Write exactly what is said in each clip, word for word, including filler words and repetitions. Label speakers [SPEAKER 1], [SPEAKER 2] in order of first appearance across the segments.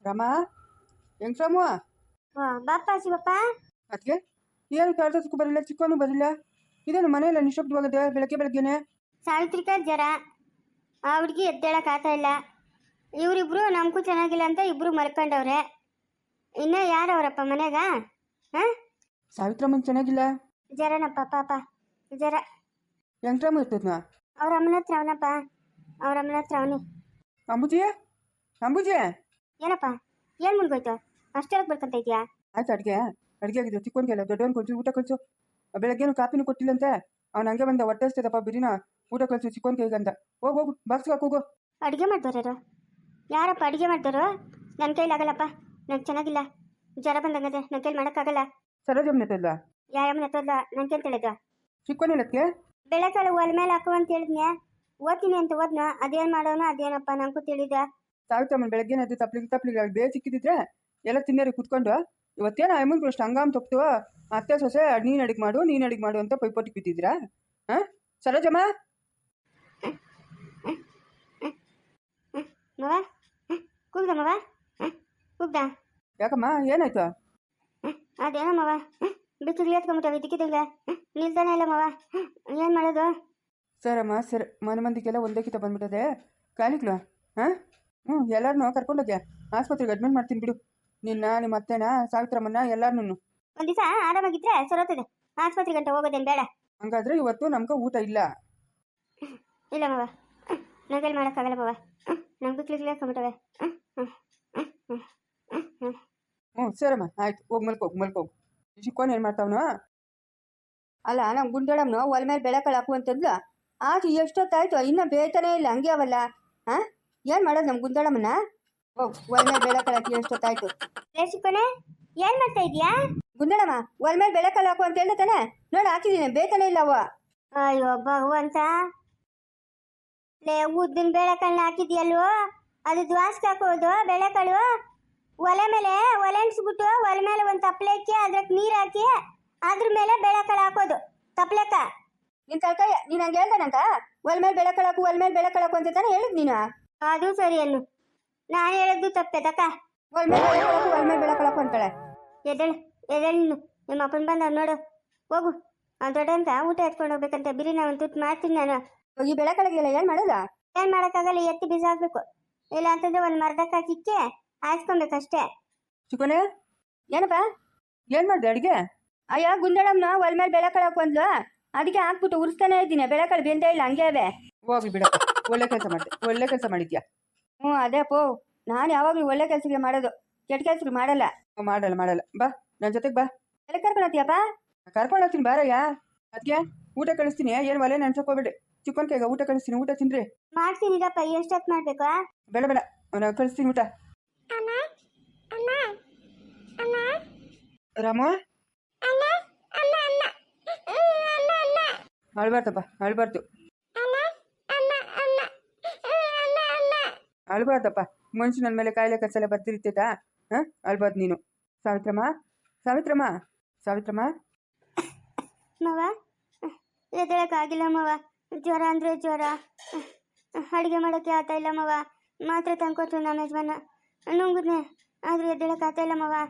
[SPEAKER 1] ರಮಾ ಹೆಂಗ್ ರಾಮು
[SPEAKER 2] ಓ ಬಾಪ ಶಿವಪ್ಪ.
[SPEAKER 1] ಅದಕ್ಕೆ ಏನು ಕಾಡ್ದಕ್ಕೂ ಬರಲಿಲ್ಲ, ಚಿಕ್ಕವನು ಬರಲಿಲ್ಲ. ಇದೇನು ಮನೆಯಲ್ಲ ನಿಶಬ್ದವಾಗದೆ ಬೆಳಗ್ಗೆ ಬೆಳಗ್ಗೆನೆ?
[SPEAKER 2] ಸಾವಿತ್ರಿಕ ಜ್ವರ, ಆ ಹುಡುಗಿ ಎದ್ದೇಳಕ್ ಆಗ್ತಾ ಇಲ್ಲ. ಇವರಿಬ್ರು ನಮಗೂ ಚೆನ್ನಾಗಿಲ್ಲ ಅಂತ ಇಬ್ರು ಮಲ್ಕೊಂಡವ್ರೆ. ಇನ್ನ ಯಾರವರಪ್ಪ ಮನೆಗ? ಹಾ,
[SPEAKER 1] ಸಾವಿತ್ರಮ್ಮನ್ ಚೆನ್ನಾಗಿಲ್ಲ.
[SPEAKER 2] ಜ್ವರನಪ್ಪ ಪಾಪ, ಜ್ವರ.
[SPEAKER 1] ಹೆಂಗ್ ರಾಮು ಇರ್ತದ್ನ?
[SPEAKER 2] ಅವ್ರ ಅಮ್ಮನ ಹತ್ರ ಅವನಪ್ಪ, ಅವ್ರ ಅಮ್ಮನ ಹತ್ರ ಅವನಿ.
[SPEAKER 1] ಅಂಬುಜಿ, ಅಂಬುಜಿ,
[SPEAKER 2] ಏನಪ್ಪ, ಏನ್ ಮುನ್ಗೋಯ್ತು? ಅಷ್ಟೊಳಗೆ ಬರ್ಕೊಂತ ಇದೆಯಾ?
[SPEAKER 1] ಆಯ್ತು. ಅಡುಗೆ ಅಡುಗೆ ಆಗಿದೆ. ಚಿಕ್ಕವನಿಗೆಲ್ಲ ದೊಡ್ಡವನ್ ಕೊಡ್ಸಿ ಊಟ ಕಳಿಸು. ಬೆಳಗ್ಗೆನು ಕಾಪಿನೂ ಕೊಟ್ಟಿಲ್ಲಂತೆ. ಅವ್ನು ಹಂಗೆ ಬಂದ ಹೊಟ್ಟೆ ಹಸ್ತದಪ್ಪ, ಬಿರಿನ ಊಟ ಕಳಿಸು ಚಿಕ್ಕವನ್ಗೆ ಈಗ ಅಂತ. ಹೋಗು ಹೋಗು, ಬಾಕ್ಸ್ ಹಾಕು ಹೋಗು.
[SPEAKER 2] ಅಡುಗೆ ಮಾಡ್ದವ್ರು ಯಾರಪ್ಪ? ಅಡುಗೆ ಮಾಡ್ದವರು ನನ್ನ ಕೈಲಾಗಲ್ಲಪ್ಪ, ನಂಗೆ ಚೆನ್ನಾಗಿಲ್ಲ, ಜ್ವರ ಬಂದಂಗದೆ, ನನ್ನ ಕೈಲಿ ಮಾಡೋಕ್ಕಾಗಲ್ಲ.
[SPEAKER 1] ಸರೋಜಮ್ಮನ ಹತ್ರ
[SPEAKER 2] ಯಾರಮ್ಮನ ಹತ್ತಲ್ಲ, ನನ್ನ ಕೈಲಿ ತಿಳಿದ.
[SPEAKER 1] ಚಿಕ್ಕವನಿಲ್ಲಕ್ಕೆ
[SPEAKER 2] ಬೆಳಕಾಳು ಒಲೆ ಮೇಲೆ ಹಾಕು ಅಂತ ಹೇಳಿದ್ನೆ, ಓದ್ತೀನಿ ಅಂತ ಓದ್ನ. ಅದೇನು ಮಾಡೋನು ಅದೇನಪ್ಪ ನಂಗೂ ತಿಳಿದ.
[SPEAKER 1] ಸಾವಿತ್ರಮ್ಮನ ಬೆಳಗ್ಗೆ ಅದು ತಪ್ಲಿಗೆ ತಪ್ಲಿಗೆ ಬೇರೆ ಸಿಕ್ಕಿದ್ರೆ ಎಲ್ಲ ತಿನ್ನೋರಿಗೆ ಕುತ್ಕೊಂಡು ಇವತ್ತೇನೋ ಅಮ್ಮನ್ಗಳು ಅಷ್ಟು ಹಂಗಾಮ್ ತಪ್ಪು ಅತ್ತೆ ಸೊಸೆ ನೀನು ಅಡಿಗೆ ಮಾಡು ನೀನು ಅಡಿಗೆ ಮಾಡು ಅಂತ ಪೈಪೋಟಿಗೆ ಬಿದ್ದಿದ್ದೀರಾ? ಹಾಂ ಸರೋಜಮ್ಮ,
[SPEAKER 2] ಮವ ಕೂಗ್ದ ಮವ, ಕೂಗ್ದ.
[SPEAKER 1] ಯಾಕಮ್ಮ ಏನಾಯ್ತು?
[SPEAKER 2] ಅದೇನೋ ಮವ, ಬಿಸಿಲು ಎತ್ಕೊಂಬಿಟ್ಟವ ಇದಕ್ಕಿದ್ದಂಗೆ ನಿಲ್ತಾನೆ ಇಲ್ಲ ಮವ, ಏನು ಮಾಡೋದು?
[SPEAKER 1] ಸರಮ್ಮ ಸರ್, ಮನೆ ಮಂದಿಗೆಲ್ಲ ಒಂದೇ ಕಿತ ಬಂದ್ಬಿಟ್ಟದೆ ಕಾಲಿಗ್ಲು. ಹಾಂ ಹ್ಞೂ, ಎಲ್ಲರನ್ನೂ ಕರ್ಕೊಂಡೋಗ್ಯ ಆಸ್ಪತ್ರೆಗೆ ಅಡ್ಮಿಟ್ ಮಾಡ್ತೀನಿ ಬಿಡು. ನಿನ್ನ ನಿಮ್ಮ ಅತ್ತೆನ ಸಾವಿತ್ರಮ್ಮನ್ನ ಎಲ್ಲಾರನ್ನೂ.
[SPEAKER 2] ಒಂದು ದಿವಸ ಆರಾಮಾಗಿದ್ರೆ ಸರೋತದೆ, ಆಸ್ಪತ್ರೆ ಗಂಟೆ ಹೋಗೋದೇನು ಬೇಡ.
[SPEAKER 1] ಹಂಗಾದ್ರೆ ಇವತ್ತು ನಮ್ಗೆ ಊಟ ಇಲ್ಲ.
[SPEAKER 2] ಇಲ್ಲ ಮವ, ನಗಲ್ ಮಾಡೋಕ್ಕಾಗಲ್ಲ ಮವ, ನಮ್ಗೆ ಬಿಕ್ಲಿಗ್ಲೇ ಹಾಕೊಂಬಿಟ್ಟವೆ.
[SPEAKER 1] ಹ್ಞೂ ಸರಮ್ಮ, ಆಯ್ತು, ಹೋಗಿ ಮಲ್ಕೋಗಿ ಮಲ್ಕೋಗು. ಚಿಕ್ಕೋನ್ ಏನು ಮಾಡ್ತಾವನು?
[SPEAKER 3] ಅಲ್ಲ, ನಮ್ಮ ಗುಂಡಳಮ್ಮನು ಒಲೆ ಮೇಲೆ ಬೆಳಕಳು ಹಾಕು ಅಂತಂದ್ಲು. ಆಚೆ ಎಷ್ಟೊತ್ತಾಯ್ತು, ಇನ್ನೂ ಬೇಯ್ತಾನೇ ಇಲ್ಲ, ಹಂಗೆ ಅವಲ್ಲ. ಹಾಂ, ಏನು ಮಾಡೋದು ನಮ್ಮ ಗುಂಡಳಮ್ಮನ? ಹೋಗ್ ಒಲೆ ಮೇಲೆ ಬೆಳಕಳು ಹಾಕಿ ಎಷ್ಟೊತ್ತಾಯ್ತು.
[SPEAKER 2] ಚಿಕ್ಕೋನೆ, ಏನು ಮಾಡ್ತಾ ಇದೀಯಾ?
[SPEAKER 3] ಗುಂಡಳಮ್ಮ ಒಲೆ ಮೇಲೆ ಬೆಳಕಳು ಹಾಕು ಅಂತ ಹೇಳ್ದೆ ತಾನೆ, ನೋಡಿ ಹಾಕಿದ್ದೀನಿ, ಬೇಯ್ತಾನೇ ಇಲ್ಲ ಅವ.
[SPEAKER 2] ಅಯ್ಯೋ ಭಗವಂತ, ಲೇ ಉದ್ದಿನ ಬೇಳೆಕಾಳನ್ನ ಹಾಕಿದ್ಯಲ್ವೋ, ಅದು ದ್ವಾಸಕ್ಕೆ ಹಾಕೋದು ಬೇಳೆಕಾಳು. ಒಲೆ ಮೇಲೆ ಒಲೆ ಅನ್ಸ್ಬಿಟ್ಟು ಒಲೆ ಮೇಲೆ ಒಂದು ತಪ್ಪಲೆ ಹಾಕಿ ಅದ್ರಕ್ಕೆ ನೀರು ಹಾಕಿ ಅದ್ರ ಮೇಲೆ ಬೇಳೆಕಾಳು ಹಾಕೋದು ತಪ್ಪಲೆಕ್ಕ.
[SPEAKER 3] ನಿನ್ ತಳ್ಕಾಯ ನೀನು ಹಂಗೆ ಹೇಳ್ದಾನಂತ, ಒಲೆ ಮೇಲೆ ಬೆಳಕಳು ಹಾಕು ಒಲೆ ಮೇಲೆ ಬೆಳಕಳು ಹಾಕು ಅಂತ ತಾನೆ ಹೇಳಿದ್ ನೀನು.
[SPEAKER 2] ಅದು ಸರಿ ಅನ್ನು, ನಾನು ಹೇಳಿದ್ದು ತಪ್ಪೆ ತಕ್ಕ.
[SPEAKER 3] ಒಲೆ ಮೇಲೆ ಬೆಳಕಳು ಹಾಕು ಒಲೆ ಮೇಲೆ ಬೆಳಕಳು ಹಾಕು ಅಂತಾಳೆ.
[SPEAKER 2] ಎದ್ದೇಳು ಎದ್ದೇಳು, ನೀನು ನಿಮ್ಮ ಅಪ್ಪನ ಬಂದ ನೋಡು, ಹೋಗು. ಅವ್ನು ದೊಡ್ಡ ಅಂತ ಊಟ ಎತ್ಕೊಂಡು ಹೋಗ್ಬೇಕಂತ ಬಿರಿ ನಾನು ತುಟ್ಟು ಮಾಡ್ತೀನಿ ನಾನು.
[SPEAKER 3] ಈ ಬೆಳಕಳಿಗೆಲ್ಲ ಏನು ಮಾಡೋದ?
[SPEAKER 2] ಏನು ಮಾಡೋಕ್ಕಾಗಲ್ಲ, ಎತ್ತಿ ಬಿಸಾಕ್ಬೇಕು. ಇಲ್ಲ ಅಂತಂದ್ರೆ ಒಂದು ಮರದಕ್ಕೆ ಹಾಕಿಕ್ಕೆ ಹಾಯಿಸ್ಕೊಬೇಕಷ್ಟೇ.
[SPEAKER 1] ಚಿಕ್ಕೋನೆ,
[SPEAKER 3] ಏನಪ್ಪ
[SPEAKER 1] ಏನು ಮಾಡಿದೆ ಅಡುಗೆ?
[SPEAKER 3] ಅಯ್ಯ ಗುಂಡಳಮ್ಮನ ಒಲೆ ಮೇಲೆ ಬೆಳಕಳು ಹಾಕು ಅಂದ್ಲು, ಅದಕ್ಕೆ ಹಾಕ್ಬಿಟ್ಟು ಉರಿಸ್ತಾನೆ ಇದ್ದೀನಿ, ಬೆಳಕಳು ಬೆಂದೇ ಇಲ್ಲ, ಹಂಗೆ ಅವೆ.
[SPEAKER 1] ಹೋಗಿ ಬಿಡ, ಒಳ್ಳೆ ಕೆಲಸ ಮಾಡಿದೆ, ಒಳ್ಳೆ ಕೆಲಸ ಮಾಡಿದ್ಯಾ.
[SPEAKER 3] ಹ್ಞೂ ಅದೇ ಪೋ, ನಾನು ಯಾವಾಗಲೂ ಒಳ್ಳೆ ಕೆಲಸಕ್ಕೆ ಮಾಡೋದು, ಕೆಟ್ಟ ಕೆಲಸಕ್ಕೆ ಮಾಡಲ್ಲ.
[SPEAKER 1] ಮಾಡಲ್ಲ ಮಾಡಲ್ಲ, ಬಾ ನನ್ನ ಜೊತೆಗೆ ಬಾ.
[SPEAKER 3] ಎಲ್ಲಿ ಕರ್ಕೊಂಡು ಹೋಗ್ತೀಯಪ್ಪ?
[SPEAKER 1] ಕರ್ಕೊಂಡು ಹೋಗ್ತೀನಿ ಬಾರಯ್ಯ. ಅದಕ್ಕೆ ಊಟ ಕಳಿಸ್ತೀನಿ, ಏನು ಒಲೆ ನೆನ್ಸೋಕೋಬೇಡಿ. ಚಿಕ್ಕನ್ ಕೈಗ ಊಟ ಕಳಿಸ್ತೀನಿ, ಊಟ ತಿನ್ರಿ.
[SPEAKER 2] ಮಾಡ್ತೀನಿರಪ್ಪ, ಎಷ್ಟೊತ್ತು ಮಾಡ್ಬೇಕು?
[SPEAKER 1] ಬೇಡ ಬೇಡ, ನಾನು ಕಳಿಸ್ತೀನಿ ಊಟ. ರಾಮ ಅಳ್ಬಾರ್ದಪ್ಪ, ಅಳ್ಬಾರ್ದು ಅಳ್ಬಾರ್ದಪ್ಪ. ಮನುಷ್ಯ ನನ್ನ ಮೇಲೆ ಕಾಯಿಲೆ ಕಚ್ಚಲ ಬರ್ತಿರ್ತೈತಾ? ಹಾಂ, ಅಳ್ಬಾರ್ದು ನೀನು. ಸಾವಿತ್ರಮ್ಮ, ಸಾವಿತ್ರಮ್ಮ, ಸಾವಿತ್ರಮ್ಮ.
[SPEAKER 2] ಮವ ಎದ್ದೇಳಕ್ಕಾಗಿಲ್ಲ ಮವ, ಜ್ವರ ಅಂದರೆ ಜ್ವರ, ಅಡುಗೆ ಮಾಡೋಕ್ಕೆ ಆಗ್ತಾ ಇಲ್ಲ ಮವ. ಮಾತ್ರೆ ತಂದ್ಕೊಟ್ರು ನಮ್ಮ ಯಜಮಾನ, ನುಂಗಿದ್ನೆ ಆದರೂ ಎದ್ದೇಳಕ್ಕೆ ಆಗ್ತಾ ಇಲ್ಲ ಮವ.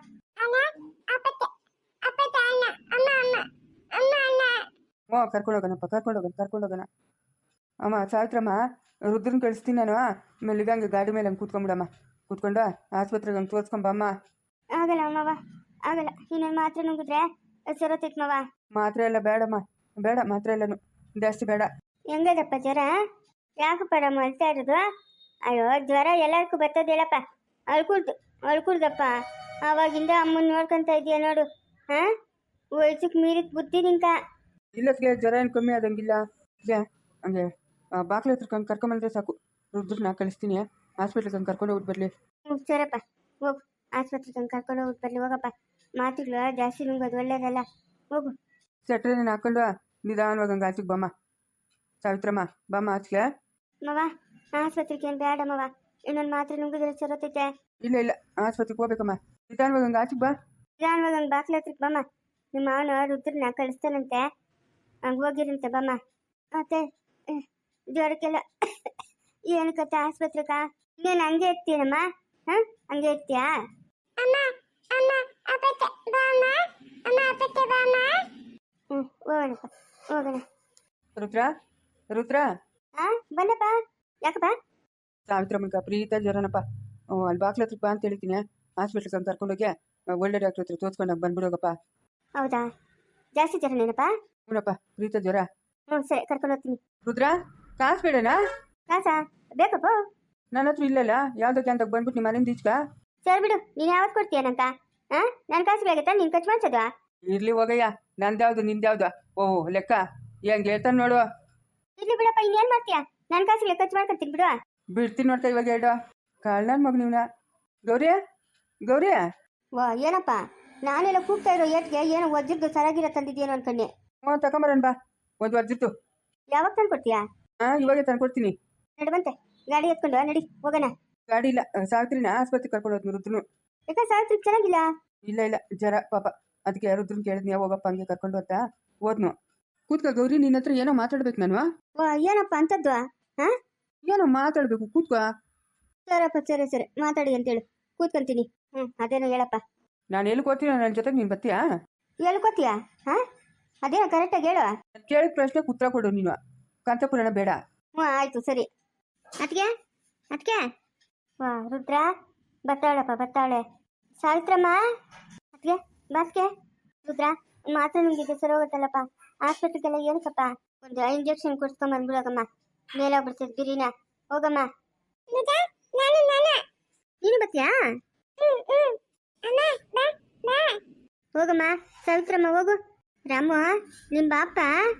[SPEAKER 1] ಹ್ಞೂ ಕರ್ಕೊಂಡು ಹೋಗೋಣಪ್ಪ, ಕರ್ಕೊಂಡು ಹೋಗೋಣ ಕರ್ಕೊಂಡು ಹೋಗೋಣ. ಅಮ್ಮ ಸಾವಿತ್ರಮ್ಮ, ರುದ್ರನ್ ಕಳಿಸ್ತೀನಿ ನಾನು. ಮೆಲ್ಲಿಗಂಗೆ ಗಾಡಿ ಮೇಲೆ ಹಂಗೆ ಕೂತ್ಕೊಂಬಿಡಮ್ಮ, ಕೂತ್ಕೊಂಡು ಆಸ್ಪತ್ರೆಗೆ ಹಂಗೆ ತೋರಿಸ್ಕೊಂಬಮ್ಮ.
[SPEAKER 2] ಆಗಲ್ಲ ಮವ, ಆಗಲ್ಲ. ಇನ್ನೊಂದು ಮಾತ್ರೆ ನುಂಗಿದ್ರೆ ಸರೋತೈತ್ ಮವ.
[SPEAKER 1] ಮಾತ್ರೆ ಎಲ್ಲ ಬೇಡಮ್ಮ, ಬೇಡ ಮಾತ್ರೆ ಎಲ್ಲನು ಜಾಸ್ತಿ ಬೇಡ.
[SPEAKER 2] ಹೆಂಗದಪ್ಪ ಜ್ವರ? ಯಾಕಪ್ಪ ನಮ್ಮ ಅಳ್ತಾ ಇರೋದು? ಅಯ್ಯೋ ಜ್ವರ ಎಲ್ಲರಿಗೂ ಬರ್ತದೆ ಹೇಳಪ್ಪ. ಅಳ್ಕುಡ್ದು ಅಳ್ಕುಡ್ದಪ್ಪ, ಆವಾಗಿಂದ ಅಮ್ಮನ ನೋಡ್ಕೊಂತ ಇದೆಯಾ ನೋಡು. ಹಾಂ, ವಯಸ್ಸಿಗೆ ಮೀರಿದ ಬುದ್ಧಿ ನಿಂಕ.
[SPEAKER 1] ಇಲ್ಲಕ್ಕೆ ಜ್ವರ ಏನು ಕಮ್ಮಿ ಆದಂಗಿಲ್ಲ. ಜ ಹಂಗೆ ಬಾಕ್ಲ ಹತ್ರ ಕಂಡು ಕರ್ಕೊಂಬಂದ್ರೆ ಸಾಕು. ರುದ್ರನ್ನ ಕಳಿಸ್ತೀನಿ, ಹಾಸ್ಪಿಟ್ಲಿಗೆ ಹಂಗೆ ಕರ್ಕೊಂಡು ಹೋಗಿ ಬರಲಿ.
[SPEAKER 2] ಹ್ಞೂ ಸರಪ್ಪ, ಹೋಗು ಆಸ್ಪತ್ರೆಗೆ ಹಂಗೆ ಕರ್ಕೊಂಡು ಹೋಗಿ ಬರಲಿ. ಹೋಗಪ್ಪ, ಮಾತುಗಳು ಜಾಸ್ತಿ ನುಂಗೋದು ಒಳ್ಳೇದಲ್ಲ, ಹೋಗು.
[SPEAKER 1] ಸೆಟ್ರೇನ ಹಾಕೊಂಡು ನಿಧಾನವಾಗಿ ಹಂಗೆ ಆಚೆಗೆ ಬಮ್ಮ. ಸಾವಿತ್ರಮ್ಮ ಬಮ್ಮ ಆಚೆಗೆ.
[SPEAKER 2] ಮವ ಆಸ್ಪತ್ರೆಗೆ ಏನು ಬೇಡ ಮವ, ಇನ್ನೊಂದು ಮಾತ್ರೆ ನುಂಗಿದ್ರೆ ಸರೋತೈತೆ.
[SPEAKER 1] ಇಲ್ಲ ಇಲ್ಲ, ಆಸ್ಪತ್ರೆಗೆ ಹೋಗ್ಬೇಕಮ್ಮ, ನಿಧಾನವಾಗಿ ಹಂಗೆ ಆಚೆಗೆ ಬಾ.
[SPEAKER 2] ನಿಧಾನವಾಗಿ ಹಂಗೆ ಬಾಕ್ಲ ಹತ್ರಕ್ಕೆ ಬಮ್ಮ. ನಿಮ್ಮ ಮಾವನ ರುದ್ರನ್ನ ಕಳಿಸ್ತಾನಂತೆ, ಹಂಗೆ ಹೋಗಿರಂತೆ ಬಮ್ಮ. ಮತ್ತೆ ಜ್ವರಕ್ಕೆಲ್ಲ ಏನಕ್ಕತ್ತ ಆಸ್ಪತ್ರೆಗ? ಇನ್ನೇನು ಹಂಗೆ ಇರ್ತೀನಮ್ಮ, ಹಾ ಹಂಗೆ ಇರ್ತೀಯಾ ಅಮ್ಮ ಅಮ್ಮ ಅಪ್ಪತ್ತೆ ಬಾ ಅಮ್ಮ ಅಮ್ಮ ಅಪ್ಪತ್ತೆ ಬಾ ಅಮ್ಮ ಹ್ಮ್ ಹೋಗೋಣಪ್ಪ ಹೋಗೋಣ
[SPEAKER 1] ರುದ್ರ ರುದ್ರ
[SPEAKER 2] ಹಾ ಬನ್ನಪ್ಪ ಯಾಕಪ್ಪ
[SPEAKER 1] ಸಾವಿತ್ರಮ್ಮಗ ಪ್ರೀತ ಜ್ವರನಪ್ಪ ಹ್ಞೂ ಅಲ್ಲಿ ಬಾಕ್ಲ ಹತ್ರಕ್ಕೆ ಬಾ ಅಂತ ಹೇಳ್ತೀನಿ ಹಾಸ್ಪಿಟ್ಲ್ಗೆ ಅಂತ ಕರ್ಕೊಂಡೋಗಿ ಒಳ್ಳೆ ಡಾಕ್ಟ್ರ್ ಹತ್ರ ತೋರಿಸ್ಕೊಂಡಾಗ ಬಂದ್ಬಿಡೋಗಪ್ಪ.
[SPEAKER 2] ಹೌದಾ ಜಾಸ್ತಿ ಜ್ವರನೇನಪ್ಪ?
[SPEAKER 1] ಹ್ಞೂನಪ್ಪ ಪ್ರೀತ ಜ್ವರ.
[SPEAKER 2] ಹ್ಞೂ ಸರಿ ಕರ್ಕೊಂಡು ಹೋಗ್ತೀನಿ.
[SPEAKER 1] ರುದ್ರ ಕಾಸು ಬೇಡನಾ?
[SPEAKER 2] ಕಾಸಾ ಬೇಕಪ್ಪ?
[SPEAKER 1] ನನ್ನ ಹತ್ರ ಇಲ್ಲಲ್ಲ ಯಾವ್ದಕ್ಕೆ ಅಂತ ಬಂದ್ಬಿಟ್ಟು ನಿಮ್ಮ ಮನೆಯಿಂದ ಈಚ್ಕ.
[SPEAKER 2] ಸರಿ ಬಿಡು, ನೀನು ಯಾವತ್ತು ಕೊಡ್ತೀಯನಂತ? ಹಾಂ ನನ್ನ ಕಾಸು ಬೇಕತ್ತಾ ನೀನು ಖರ್ಚು ಮಾಡ್ಸೋದು?
[SPEAKER 1] ಇರ್ಲಿ ಹೋಗಯ್ಯ, ನಂದ್ಯಾವ್ದು ನಿಂದ್ಯಾವ್ದು? ಓಹ್ ಲೆಕ್ಕ ಹೆಂಗೆ ಹೇಳ್ತಾನೆ ನೋಡು.
[SPEAKER 2] ಇರ್ಲಿ ಬಿಡಪ್ಪ, ಇನ್ನೇನು ಮಾಡ್ತೀಯಾ? ನನ್ನ ಕಾಸಿಗೆ ಖರ್ಚು ಮಾಡ್ಕೊತೀನಿ ಬಿಡು.
[SPEAKER 1] ಬಿಡ್ತೀನಿ ನೋಡ್ತಾ ಇವಾಗ ಎರಡು ಕಾಳ್ ನನ್ನ ಮಗ ನೀವ್ನ. ಗೌರಿ ಗೌರಿ
[SPEAKER 2] ವಾ ಏನಪ್ಪ ನಾನೆಲ್ಲ ಕೂಗ್ತಾ ಇರೋ ಏಟ್ಗೆ ಏನೋ ವಜ್ರದ್ದು ಸರಾಗಿರ ತಂದಿದ್ದೇನೋ ಅನ್ಕೊಂಡೆ.
[SPEAKER 1] ಹ್ಞೂ ತಗೊಂಬರೋಣ ಬಾ, ಒಂದು ವರ್ಜಿತ್ತು.
[SPEAKER 2] ಯಾವಾಗ ತಂದು ಕೊಡ್ತೀಯಾ?
[SPEAKER 1] ಹಾಂ ಇವಾಗೆ ತಂದ್ಕೊಡ್ತೀನಿ.
[SPEAKER 2] ನಡಿ ಬಂತೆ ಗಾಡಿ ಎತ್ಕೊಂಡು ನಡಿ ಹೋಗೋಣ.
[SPEAKER 1] ಗಾಡಿ ಇಲ್ಲ, ಸಾವಿತ್ರಿನ ಆಸ್ಪತ್ರೆಗೆ ಕರ್ಕೊಂಡು ಹೋದ್ನು ರುದ್ರನು.
[SPEAKER 2] ಯಾಕೆ ಸಾವಿತ್ರಿ ಚೆನ್ನಾಗಿಲ್ಲ?
[SPEAKER 1] ಇಲ್ಲ ಇಲ್ಲ ಜ್ವರ ಪಾಪ, ಅದಕ್ಕೆ ರುದ್ರನ್ ಕೇಳಿದ್ನಿ ಹೋಗಪ್ಪ ಹಂಗೆ ಕರ್ಕೊಂಡು ಅಂತ ಹೋದ್ನು. ಕೂತ್ಕ ಗೌರಿ, ನಿನ್ನ ಹತ್ರ ಏನೋ ಮಾತಾಡ್ಬೇಕು ನಾನು.
[SPEAKER 2] ವಾ ಏನಪ್ಪ ಅಂತದ್ದು? ಹಾಂ
[SPEAKER 1] ಏನೋ ಮಾತಾಡ್ಬೇಕು, ಕೂತ್ಕ.
[SPEAKER 2] ಸರಪ್ಪ ಸರಿ ಸರಿ ಮಾತಾಡಿ ಅಂತೇಳು, ಕೂತ್ಕೊಂತೀನಿ. ಹ್ಞೂ ಅದೇನೋ ಹೇಳಪ್ಪ.
[SPEAKER 1] ನಾನು ಎಲ್ಲಿ ಕೂತೀನಿ, ನನ್ನ ಜೊತೆಗೆ ನೀನು ಬರ್ತೀಯಾ?
[SPEAKER 2] ಹೇಳ್ಕೊತೀಯಾ? ಹಾಂ ಅದೇನೋ ಕರೆಕ್ಟಾಗಿ ಹೇಳು.
[SPEAKER 1] ಕೇಳಿದ ಪ್ರಶ್ನೆ ಉತ್ತರ ಕೊಡು ನೀನು, ಕಾಂತಪುರನ ಬೇಡ.
[SPEAKER 2] ಹ್ಞೂ ಆಯಿತು ಸರಿ. ಅದಕ್ಕೆ ಅದಕ್ಕೆ ವಾ ರುದ್ರ ಬರ್ತಾಳಪ್ಪ ಬರ್ತಾಳೆ. ಸಾವಿತ್ರಮ್ಮ ಅದಕ್ಕೆ ಬಾಸ್ಕೆ ರುದ್ರ ಮಾತ್ರ ನಿಮಗೆ ಸರಿ ಹೋಗುತ್ತಲ್ಲಪ್ಪ. ಆಸ್ಪತ್ರೆಗೆಲ್ಲ ಏನಕ್ಕಪ್ಪ ಒಂದು ಇಂಜೆಕ್ಷನ್ ಕೊಡ್ಸ್ಕೊಂಡ್ ಬಂದ್ಬಿಡೋಗಮ್ಮ, ಮೇಲಾಗ್ಬಿಡ್ತದೆ ಬಿರಿನ. ಹೋಗಮ್ಮ. ನೀನು ಬರ್ತೀಯಾ? ಹೋಗಮ್ಮ ಸಾವಿತ್ರಮ್ಮ ಹೋಗು. ರಾಮು ನಿಮ್ ಬಾಪ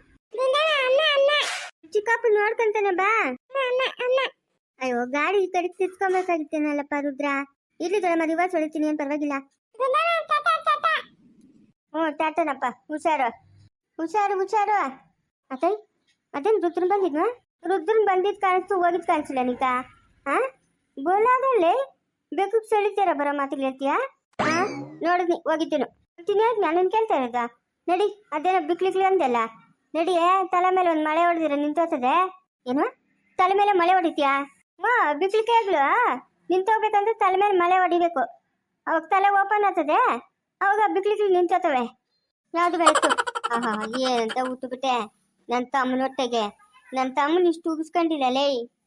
[SPEAKER 2] ಚಿಕ್ಕಪ್ಪ ನೋಡ್ಕೊಂತಾನೆ ಬಾ. ಅಯ್ಯೋ ಗಾಡಿ ಈ ಕಡೆ ತಿರ್ಸ್ಕೊಬೇಕಾಗಿತ್ತೇನಲ್ಲಪ್ಪ ರುದ್ರ. ಇಲ್ಲಿ ದೊಡ್ಡಮ್ಮ ರಿವರ್ಸ್ ಹೊಡಿತೀನಿ ಏನ್ ಪರವಾಗಿಲ್ಲ. ಹ್ಞೂ ಟಾಟನಪ್ಪ, ಹುಷಾರು ಹುಷಾರು ಹುಷಾರು. ಅತೈ ಅದೇನು ರುದ್ರನ್ ಬಂದಿದ್ವಾ? ರುದ್ರನ್ ಬಂದಿದ್ ಕಾಣಿಸ್ತು, ಹೋಗಿದ್ ಕಾಣಿಸಿಲ್ಲ ನೀಕ. ಹಾ ಬೋಲಾದಲ್ಲಿ ಬೇಕು ಸೆಳಿತಾರ ಬರೋ ಮಾತಿಗೆ ಹೇಳ್ತೀಯಾ? ಹಾ ನೋಡಿದ್ನಿ ಹೋಗಿದ್ದೇನು ತಿನ್ನಿ ನಾನು ಕೇಳ್ತಾ ಇರೋದ. ನಡಿ ಅದೇನೋ ಬಿಕ್ಲಿಕ್ಲಿ ಅಂದೆಲ್ಲ ನಡಿ. ತಲೆ ಮೇಲೆ ಒಂದು ಮಳೆ ಹೊಡೆದಿರ ನಿಂತೋಗ್ತದೆ. ಏನು ತಲೆ ಮೇಲೆ ಮಳೆ ಹೊಡಿತೀಯಾ? ಹಾ ಬಿಕ್ಲಿಕ್ಕೆ ಆಗ್ಲು ನಿಂತೋಗ್ಬೇಕಂದ್ರೆ ತಲೆ ಮೇಲೆ ಮಳೆ ಹೊಡಿಬೇಕು, ಅವಾಗ ತಲೆ ಓಪನ್ ಆಗ್ತದೆ, ಅವಾಗ ಬಿಕ್ಲಿಕ್ಲಿ ನಿಂತೋತವೆ. ಯಾವ್ದು ಬೇಕು? ಆಹಾ ಏನಂತ ಊಟ ಬಿಟ್ಟೆ ನನ್ನ ತಮ್ಮನ ಹೊಟ್ಟೆಗೆ. ನನ್ನ ತಮ್ಮನ ಇಷ್ಟು ಉಗಿಸ್ಕೊಂಡಿಲ್ಲ ಲೇ.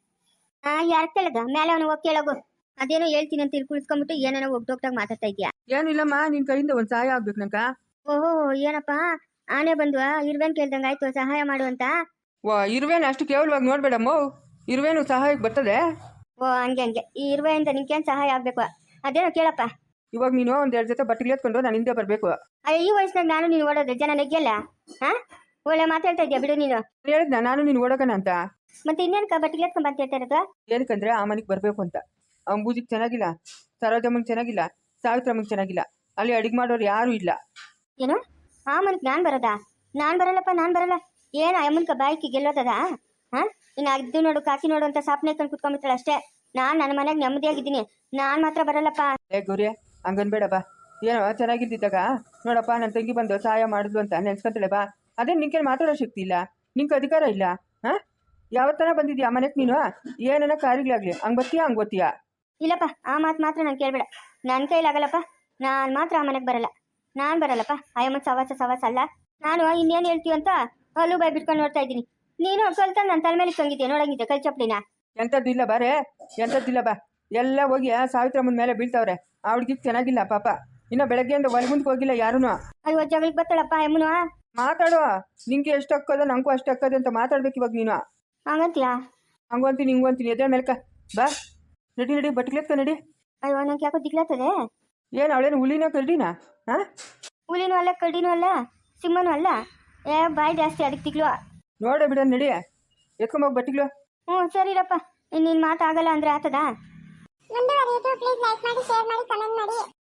[SPEAKER 2] ಹಾ ಯಾರು ಕೇಳದ ಮೇಲೆ ಅವನು ಹೋಗಿ ಕೇಳೋಗು. ಅದೇನೋ ಹೇಳ್ತೀನಿ ಅಂತ ಇಲ್ಲಿ ಕುಳಿಸ್ಕೊಂಡ್ಬಿಟ್ಟು ಏನೇನೋ ಒಗ್ದೋಗ್ದಾಗ ಮಾತಾಡ್ತಾ ಇದೆಯಾ?
[SPEAKER 1] ಏನಿಲ್ಲಮ್ಮ, ನಿನ್ ಕೈಯಿಂದ ಒಂದು ಸಹಾಯ ಆಗ್ಬೇಕು ನಂಕ.
[SPEAKER 2] ಓಹೋ ಏನಪ್ಪ ಆನೆ ಬಂದ್ವ ಇರ್ವೇನ್ ಕೇಳ್ದಂಗ ಆಯ್ತು ಸಹಾಯ ಮಾಡುವಂತ.
[SPEAKER 1] ವಾ ಇರುವೇನು ಅಷ್ಟು ಕೇವಲವಾಗಿ ನೋಡ್ಬೇಡಮ್ಮ, ಇರುವೇನು ಸಹಾಯಕ್ಕೆ ಬರ್ತದೆ.
[SPEAKER 2] ಓ ಹಂಗೆ ಹಂಗೆ ಈ ಇರುವೆಯಿಂದ ನಿನ್ಗೇನು ಸಹಾಯ ಆಗ್ಬೇಕು? ಅದೇನೋ ಕೇಳಪ್ಪ.
[SPEAKER 1] ಇವಾಗ ನೀನು ಒಂದ್ ಎರಡು ಜೊತೆ ಬಟ್ಟೆಗೆ ಎತ್ಕೊಂಡು ನಾನು ಹಿಂದೆ ಬರಬೇಕು.
[SPEAKER 2] ಅಯ್ಯ ಈ ವಯಸ್ಸಿನಾಗ ನಾನು ನೀನು ಓಡೋದ್ರೆ ಜನ ನೆಗ್ಯಲ್ಲ? ಹಾ ಒಳ್ಳೆ ಮಾತಾಡ್ತಾ ಇದ್ಯಾ ಬಿಡು ನೀನು.
[SPEAKER 1] ಹೇಳಿದ್ನ ನಾನು ನೀನು ಓಡೋಕನ ಅಂತ.
[SPEAKER 2] ಮತ್ತೆ ಇನ್ನೇನಕ್ಕ ಬಟ್ಟೆಗೆ ಎತ್ಕೊಂಡ್ ಬಂತ ಹೇಳ್ತಾ ಇರೋದು?
[SPEAKER 1] ಏನಕ್ಕಂದ್ರೆ ಆ ಮನೆಗೆ ಬರಬೇಕು ಅಂತ. ಅಂಬೂಜಿಗೆ ಚೆನ್ನಾಗಿಲ್ಲ, ಸರೋಜಮ್ಮಂಗೆ ಚೆನ್ನಾಗಿಲ್ಲ, ಸಾವಿತ್ರಮ್ಮಂಗೆ ಚೆನ್ನಾಗಿಲ್ಲ, ಅಲ್ಲಿ ಅಡಿಗೆ ಮಾಡೋರು ಯಾರು ಇಲ್ಲ.
[SPEAKER 2] ಏನು ಆ ಮನಕ್ ನಾನ್ ಬರೋದಾ? ನಾನ್ ಬರಲ್ಲಪ್ಪ ನಾನ್ ಬರಲ್ಲ. ಏನ ಅಮ್ಮನ್ಕ ಬಾಯ್ಕಿ ಗೆಲ್ಲೋದದ? ಹಾ ಇನ್ನು ಅದು ನೋಡು ಕಾಕಿ ನೋಡು ಅಂತ ಸಾಪ್ನೆ ಇಟ್ಕೊಂಡು ಕುತ್ಕೊಂಡ್ಬಿಡ್ತಾಳೆ ಅಷ್ಟೇ. ನಾನ್ ನನ್ನ ಮನೆಗೆ ನೆಮ್ಮದಿಯಾಗಿದ್ದೀನಿ, ನಾನ್ ಮಾತ್ರ ಬರಲ್ಲಪ್ಪ.
[SPEAKER 1] ಏ ಗೌರಿ ಹಂಗನ್ಬೇಡ ಬಾ. ಏನೋ ಚೆನ್ನಾಗಿದ್ದಿದ್ದಾಗ ನೋಡಪ್ಪ ನನ್ನ ತಂಗಿ ಬಂದು ಸಹಾಯ ಮಾಡಿದ್ಲು ಅಂತ ನೆನ್ಸ್ಕೊಂತಾಳೆ ಬಾ. ಅದೇ ನಿನ್ಗೆ ಮಾತಾಡೋ ಶಕ್ತಿ ಇಲ್ಲ, ನಿಂಗೆ ಅಧಿಕಾರ ಇಲ್ಲ. ಹಾ ಯಾವತ್ತನ ಬಂದಿದ್ಯಾ ಮನೆಗೆ ನೀನು? ಏನನ್ನ ಕಾರ್ಯಗಳಾಗ್ಲಿ ಹಂಗ್ ಬರ್ತೀಯಾ ಹಂಗ್ ಗೊತ್ತೀಯಾ?
[SPEAKER 2] ಇಲ್ಲಪ್ಪ ಆ ಮಾತು ಮಾತ್ರ ನಾನು ಕೇಳ್ಬೇಡ, ನನ್ನ ಕೈಲಾಗಲ್ಲಪ್ಪ. ನಾನು ಮಾತ್ರ ಆ ಮನೆಗೆ ಬರಲ್ಲ, ನಾನು ಬರಲ್ಲಪ್ಪ. ಅಯ್ಯಮ್ಮ ಸವಾಸ ಸವಾಸ ಅಲ್ಲ. ನಾನು ಇನ್ನೇನು ಹೇಳ್ತೀವಿ ಅಂತ ಅಲ್ಲೂ ಬಾಯ್ ಬಿಟ್ಕೊಂಡು ನೋಡ್ತಾ ಇದ್ದೀನಿ. ನೀನು ಕಲ್ತ ನನ್ನ ತಲೆ ಮೇಲೆ ತಂಗಿದ್ದೆ ನೋಡಂಗಿದ್ದೆ ಕೈ ಚಪ್ಪಲಿನ.
[SPEAKER 1] ಎಂಥದ್ದಿಲ್ಲ ಬಾರೇ, ಎಂಥದ್ದಿಲ್ಲ ಬಾ. ಎಲ್ಲ ಹೋಗಿ ಸಾವಿತ್ರಮ್ಮನ ಮೇಲೆ ಬೀಳ್ತಾವ್ರೆ. ಆ ಹುಡ್ಗಿಗೆ ಚೆನ್ನಾಗಿಲ್ಲ ಪಾಪ. ಇನ್ನು ಬೆಳಗ್ಗೆಯಿಂದ ಒಳಗುಂದಕ್ಕೆ ಹೋಗಿಲ್ಲ ಯಾರೂ.
[SPEAKER 2] ಅಯ್ಯೋ ಜಗಳಿಗೆ ಬರ್ತಾಳಪ್ಪ ಅಮ್ಮನು.
[SPEAKER 1] ಮಾತಾಡುವ, ನಿಂಗೆ ಎಷ್ಟು ಹಕ್ಕದ ನಂಗೂ ಅಷ್ಟು ಹಕ್ಕದ ಅಂತ ಮಾತಾಡ್ಬೇಕು ಇವಾಗ ನೀನು.
[SPEAKER 2] ಹಂಗಂತೀಯಾ?
[SPEAKER 1] ಹಂಗಂತೀನಿ ಹಿಂಗೂ ಅಂತೀನಿ. ಎದೆ ಮೇಲ್ಕ ಬಾ, ನಡಿ ನಡಿ ಬಟ್ಲೆತ್ಕ ನಡಿ.
[SPEAKER 2] ಅಯ್ಯೋ ನಂಗೆ ಯಾಕೋ ದಿಗ್ಲಾಗ್ತದೆ.
[SPEAKER 1] ಏನು ಅವಳೇನು ಹುಲಿನ ಕರಡಿನ? ಹಾಂ
[SPEAKER 2] ಹುಲಿನೂ ಅಲ್ಲ ಕರಡಿನೂ ಅಲ್ಲ ಸಿಂಹನೂ ಅಲ್ಲ. ಏ ಬಾಯ್ ಜಾಸ್ತಿ ಅದಕ್ಕೆ ದಿಗ್ಲು.
[SPEAKER 1] ನೋಡೇ ಬಿಡ ನಡಿ, ಎತ್ಕೊಂಬೋಗಿ ಬಟ್ಟಿಗ್ಲು.
[SPEAKER 2] ಹ್ಞೂ ಸರಿರಪ್ಪ, ಇನ್ನಿನ್ ಮಾತಾಗಲ್ಲ ಅಂದ್ರೆ ಆತದ?